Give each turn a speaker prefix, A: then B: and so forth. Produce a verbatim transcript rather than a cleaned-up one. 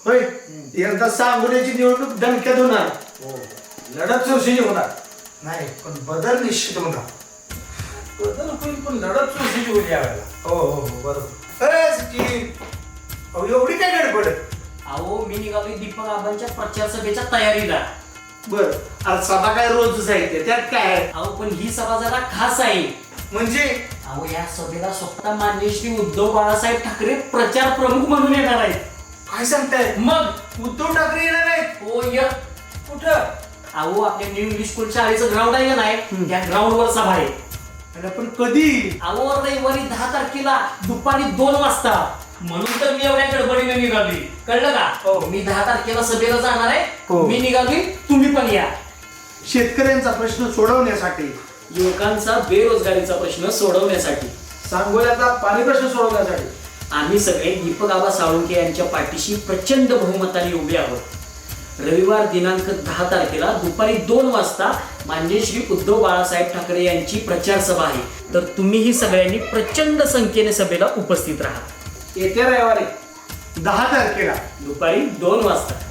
A: होय यंदा सांगोल्याची निवडणूक दणक्यात होणार.
B: हो लढत चुरशीची होणार.
A: नाही पण बदल निश्चित होणार.
B: बदल होईल पण लढत चुरशीची होईल यावेळेला.
A: हो हो हो बरोबर. अरे सचिन अहो एवढी काय गडबड?
C: अहो मी निघालोय दीपक आबांच्या प्रचार सभेच्या तयारीला.
A: बर अरे सभा काय रोजच आहे ते, त्यात काय आहे?
C: अहो पण ही सभा जरा खास आहे.
A: म्हणजे
C: अहो या सभेला स्वतः माननीय श्री उद्धव बाळासाहेब ठाकरे प्रचार प्रमुख म्हणून येणार आहेत.
A: काय सांगताय?
C: मग
A: उद्धव ठाकरे येणार आहेत?
C: हो य
B: कुठं?
C: अहो आपल्या न्यू इंग्लिश स्कूल शाळेचं ग्राउंड आहे का नाही, त्या ग्राउंड वर सभा आहे.
A: अरे पण कधी?
C: अहो रविवारी दहा तारखेला दुपारी दोन वाजता. म्हणून तर मी एवढ्या गडबडीने निघाली, कळलं का?
A: हो.
C: मी दहा तारखेला सभेला जाणार आहे.
A: हो.
C: मी निघाली, तुम्ही पण या.
A: शेतकऱ्यांचा प्रश्न सोडवण्यासाठी,
C: युवकांचा बेरोजगारीचा प्रश्न सोडवण्यासाठी,
B: सांगोल्याचा पाणी प्रश्न सोडवण्यासाठी
C: आम्ही सगळे दीपक आबा साळुंखे यांच्या पाठीशी प्रचंड बहुमताने उभे आहोत. रविवार दिनांक दहा तारखेला दुपारी दोन वाजता माननीय श्री उद्धव बाळासाहेब ठाकरे यांची प्रचार सभा आहे. तर तुम्हीही सगळ्यांनी प्रचंड संख्येने सभेला उपस्थित राहा.
B: येत्या रविवारी
A: दहा तारखेला
C: दुपारी दोन वाजता.